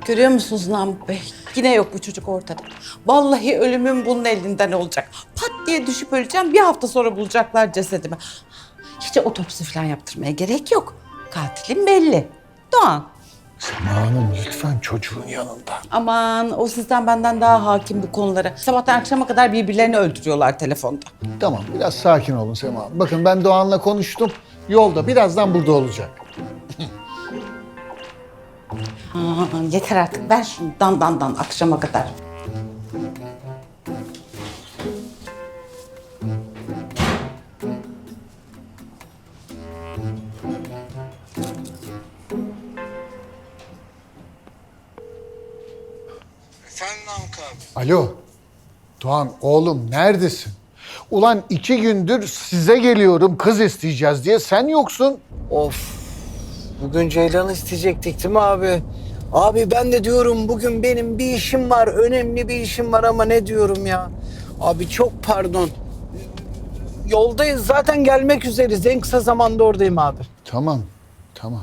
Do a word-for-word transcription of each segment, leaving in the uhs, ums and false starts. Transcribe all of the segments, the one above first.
Görüyor musunuz Namık Bey? Yine yok bu çocuk ortada. Vallahi ölümüm bunun elinden olacak. Pat diye düşüp öleceğim. Bir hafta sonra bulacaklar cesedimi. Hiç otopsi falan yaptırmaya gerek yok. Katilim belli. Doğan. Sema Hanım lütfen çocuğun yanında. Aman o sizden benden daha hakim bu konulara. Sabahtan akşama kadar birbirlerini öldürüyorlar telefonda. Tamam biraz sakin olun Sema Hanım. Bakın ben Doğan'la konuştum. Yolda birazdan burada olacak. Ha, yeter artık ver şunu dan dan dan akşama kadar. Efendim Namık abi. Alo. Doğan oğlum neredesin? Ulan iki gündür size geliyorum kız isteyeceğiz diye sen yoksun. Of. Bugün Ceylan'ı isteyecektik değil mi abi? Abi ben de diyorum bugün benim bir işim var. Önemli bir işim var ama ne diyorum ya? Abi çok pardon. Yoldayız zaten gelmek üzereyiz. En kısa zamanda oradayım abi. Tamam tamam.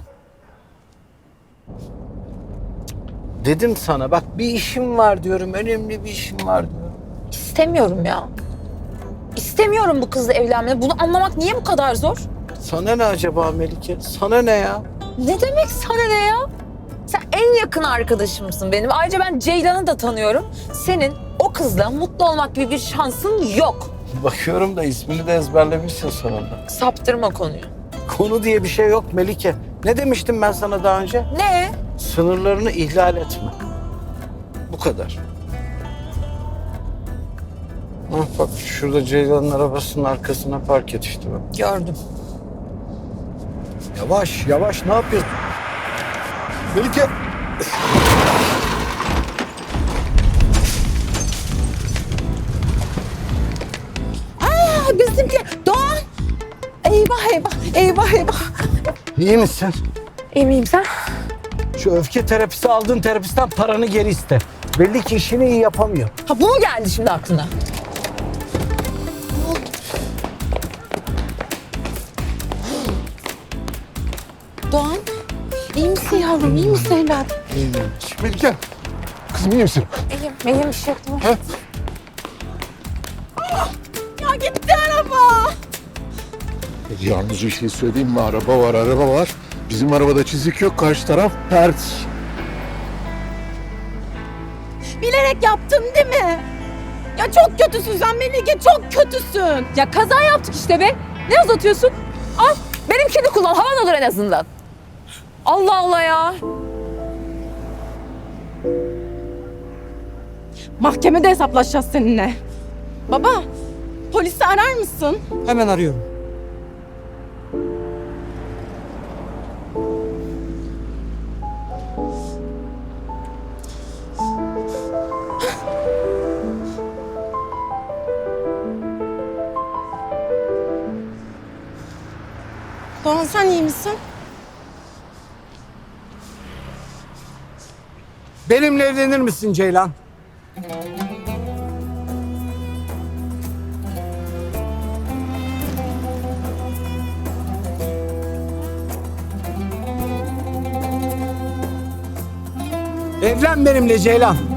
Dedim sana bak bir işim var diyorum. Önemli bir işim var diyorum. İstemiyorum ya. İstemiyorum bu kızla evlenmeyi. Bunu anlamak niye bu kadar zor? Sana ne acaba Melike? Sana ne ya? Ne demek sana ne ya? Sen en yakın arkadaşımsın benim. Ayrıca ben Ceylan'ı da tanıyorum. Senin o kızla mutlu olmak gibi bir şansın yok. Bakıyorum da ismini de ezberlemişsin sonunda. Saptırma konuyu. Konu diye bir şey yok Melike. Ne demiştim ben sana daha önce? Ne? Sınırlarını ihlal etme. Bu kadar. Ah bak şurada Ceylan'ın arabasının arkasına park et işte bak. Gördüm. Yavaş yavaş ne yapıyorsun? Melike. Aa bizimki Doğan. Eyvah eyvah eyvah eyvah. İyi misin? İyi miyim sen? Şu öfke terapisi aldığın terapistten paranı geri iste. Belli ki işini iyi yapamıyor. Ha bu mu geldi şimdi aklına? Doğan iyi misin yavrum iyi misin evladım? Melike. Kızım iyi misin? İyiyim. İyiyim bir şey yok değil mi? He? Ya gitti araba. Yalnız bir şey söyleyeyim mi? Araba var, araba var. Bizim arabada çizik yok, karşı taraf pert. Bilerek yaptın değil mi? Ya çok kötüsün sen Melike çok kötüsün. Ya kaza yaptık işte be. Ne uzatıyorsun? Al benimkini kullan. Havan olur en azından. Allah Allah ya. Mahkemede hesaplaşacağız seninle. Baba, polisi arar mısın? Hemen arıyorum. Doğan sen iyi misin? Benimle evlenir misin Ceylan? Evlen benimle Ceylan.